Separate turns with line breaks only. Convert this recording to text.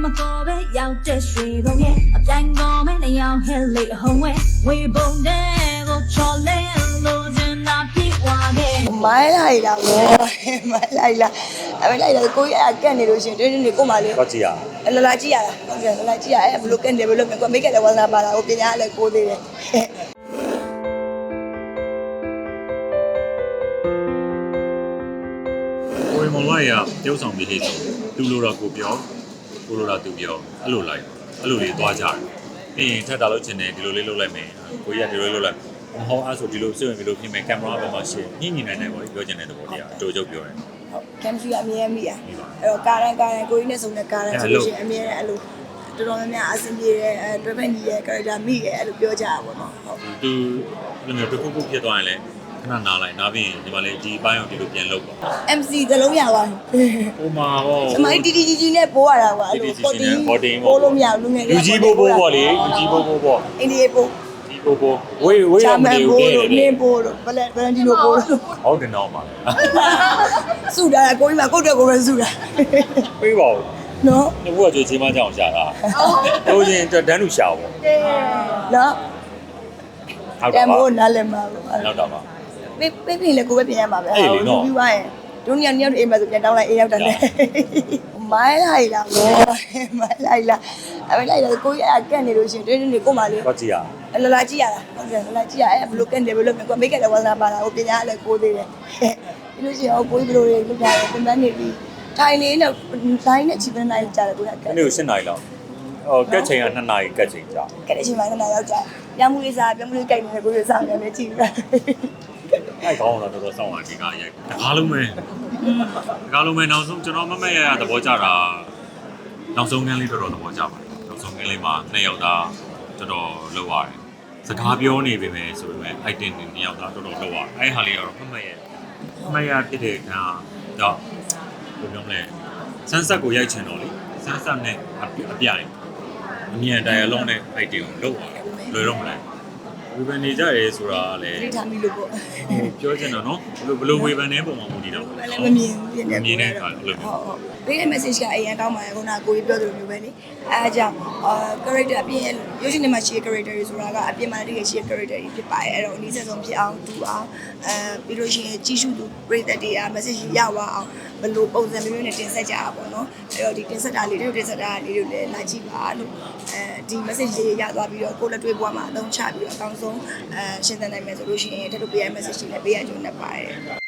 မတော်ပဲရောက်တဲ့ရွှေကုန်ရဲ့အပြိုင်တော်မဲ့နေအောင်ဟဲ့လေဟုံးဝဲဝေပုံတဲ့ကိုချော်လဲလို့ချင်တာပြေဝါခဲ့
မိုင်းလိုက်တာပဲမိုင်းလိုက်လားအဲ့လိုက်တာကိုကြီးကကက်နေလို့ရှင်တင်းတင်းနေကိုမလေး
တော့ကြည့်ရ
လလာကြည့်ရတာဟုတ်ကဲ့လလာကြည့်ရအဲ့ဘလို့ကက်နေဘလို့ကိုမိတ်ကလည်းဝါသနာပါတာကိုပညာလည်းကိုသေးတယ်
ကိုရီမောင်လိုက်ရတယောက်ဆောင်ပြီးလေးဆိုသူလိုတော့ကိုပြောကိုလိုတော့သူပြောအဲ့လိုလိုက်အဲ့လိုလေးသွားကြတယ်ပြီးရင်ထပ်တာလို့ချင်တယ်ဒီလိုလေးလုပ်လိုက်မယ်ကိုကြီးကဒီလိုလေးလုပ်လိုက်မဟုတ်အဲ့ဆိုဒီလိုစွင့်ပြီးလို့ပြင်မယ်ကင်မရာဘက်မှာရှင်းညှိနေနိုင်ပေါ့ပြောချင်တဲ့သဘောတရားအတူချုပ်ပြောတယ်
ဟုတ်ကင်မရာအမြဲမိရအဲ့တော့ကာရန်ကိုကြီးနဲ့ဆုံတဲ့ကာရန်ဆိုလို့ရှိရင်အမြဲအဲ့လိုတော်တော်များများအဆင်ပြေတယ်တွဲဖက်ညီရဲ့ character မိရဲ့အဲ့လိုပြောကြတာပေါ့နော်ဟုတ်
သူလည်းမျိုးတစ်ခုခုဖြစ်သွားရင်လည်းခဏနားလိုက်နားပြီးရင်ဒီမှာလေဒီဘိုင်းအောင်ဒီလိုပြန်လုပ်ပါ
MC သလုံးရသွားပြီ
ဟိုမှာပေါ့
အမိုင်းတီတီကြီးနဲ့ပိုးရတာကွာအဲ့လိုပိုးလို့မရဘူးလူငယ်
လူကြီးဘိုးပေါ့လေလူကြီးဘိုးပေါ့
အိန္ဒိယပိုး
ဒီဘိုးဝေးရမနေဘူးခဲ့တယ်
နင်းပိုးလို့ဘလန်ဒီလိုပိုးလို့
ဟုတ်တယ်တော့ပါ
စုတာကိုကြီးကကိုယ့်အတွက်ကိုပဲစုတာ
ပေးပါဦး
နော်
ဒီဘုရားကြွေးချင်းမကြောင်ရှာတာတို့ချင်းတန်းလူရှာပေါ့
နော်
ဟုတ်
တ
တော့
မ်
ပါ
မိုးနားလည်းမှာပေါ့
နောက်တော့ပါ
ပေးပြင်လေကိုပဲပြင်ရမှာပဲပြီးသွားရင်တို့ညညအိမ်မှာဆိုပြန်တောင်းလိုက်အိမ်ရောက်တယ်မိုင်းလိုက်တာပဲမိုင်းလိုက်လားအဲ့လိုက်တာကိုကြီးကကက်နေလို့ရှင်တင်းတင်းနေကိုမလေး
တော့ကြည့်ရ
လလာကြည့်ရတာဟုတ်ကဲ့လလာကြည့်ရအဲ့ဘလို့ကက်နေဘလို့ကိုမိတ်ကလည်းဝါသနာပါတာကိုပညာလည်းကိုသေးတယ်ပြီးလို့ရှိရင်ကိုကြီးဘလို့လုပ်ကြတယ်ပြန်နေပြီးထိုင်လေးနဲ့တိုင်းနဲ့ချီပန်းနိုင်ကြတယ်ကိုကကက်
နေ့ကို7နာရီလောက်ဟိုကက်ချိန်က2နာရီကက်ချိန်ကြာ
ကက်တဲ့အချိန်မှလည်းရောက်ကြပြောင်းမှုလေးစားပြောင်းမှုလေးကြိုက်နေကိုကြီးစားနေတယ်ကြည့်ရ
အဲ့ကောင်းတော့တော်တော်စောင့်ရဒီကရိုက်တကားလုံးပဲတကားလုံးပဲနောက်ဆုံးကျွန်တော်မမရသဘောကျတာနောက်ဆုံးကန်းလေးတော်တော်သဘောကျပါတယ်နောက်ဆုံးကန်းလေးမှာ2ယောက်သားတော်တော်လောက်ရတယ်စကားပြောနေပေမဲ့ဆိုပေမဲ့ item တွေ2ယောက်သားတော်တော်လောက်ရတယ်အဲ့ဟာလေးကတော့မမရဖြစ်တဲ့ကတော့ဘယ်လိုလဲဆန်းဆက်ကိုရိုက်ချင်တော့လေဆန်းဆက်နဲ့အပြိုင်အမြန်တိုင်အလုံးနဲ့ item ကိုလောက်ရတယ်လွယ်တော့မလားဝေဖန်နေကြရဲဆိုတာလေ
တိထားမိလို့ပေါ့
ပြောချင်တာနော်ဘယ်လိုဝေဖန်နေပုံမှာမူတည်တော့
လည်းမမြင်ဘူးပြင်နေ
မြင်တဲ့အခါအဲ့လို
ဟုတ်ဟုတ်ပေးတဲ့ message ကအရင်ကောင်းပါတယ်ခုနကကိုကြီးပြောသလိုမျိုးပဲလေအဲအကြောင်း character အပြင်ရုပ်ရှင်ထဲမှာရှိတဲ့ character တွေဆိုတာကအပြင်မှာတကယ်ရှိတဲ့ character တွေဖြစ်ပါတယ်အဲ့တော့အနည်းဆုံးဖြစ်အောင်တူအောင်ပြီးလို့ရှိရင်ကြီးစုသူပရိသတ်တွေက message ရသွားအောင်ဘယ်လိုပုံစံမျိုးနဲ့တင်ဆက်ကြတာပေါ့နော်အဲ့တော့ဒီတင်ဆက်တာလေးတွေတင်ဆက်တာလေးတွေလည်းလာကြည့်ပါလို့ဒီ message လေးရသွားပြီးတော့ကိုယ်လက်တွေ့ဘဝမှာအသုံးချပြီးတော့အကောင်းဆုံးရှင်းသနိုင်မယ်ဆိုလို့ရှိရင်တက်လို့ပေးရ message တွေလည်းပေးရကြုံနဲ့ပါတယ်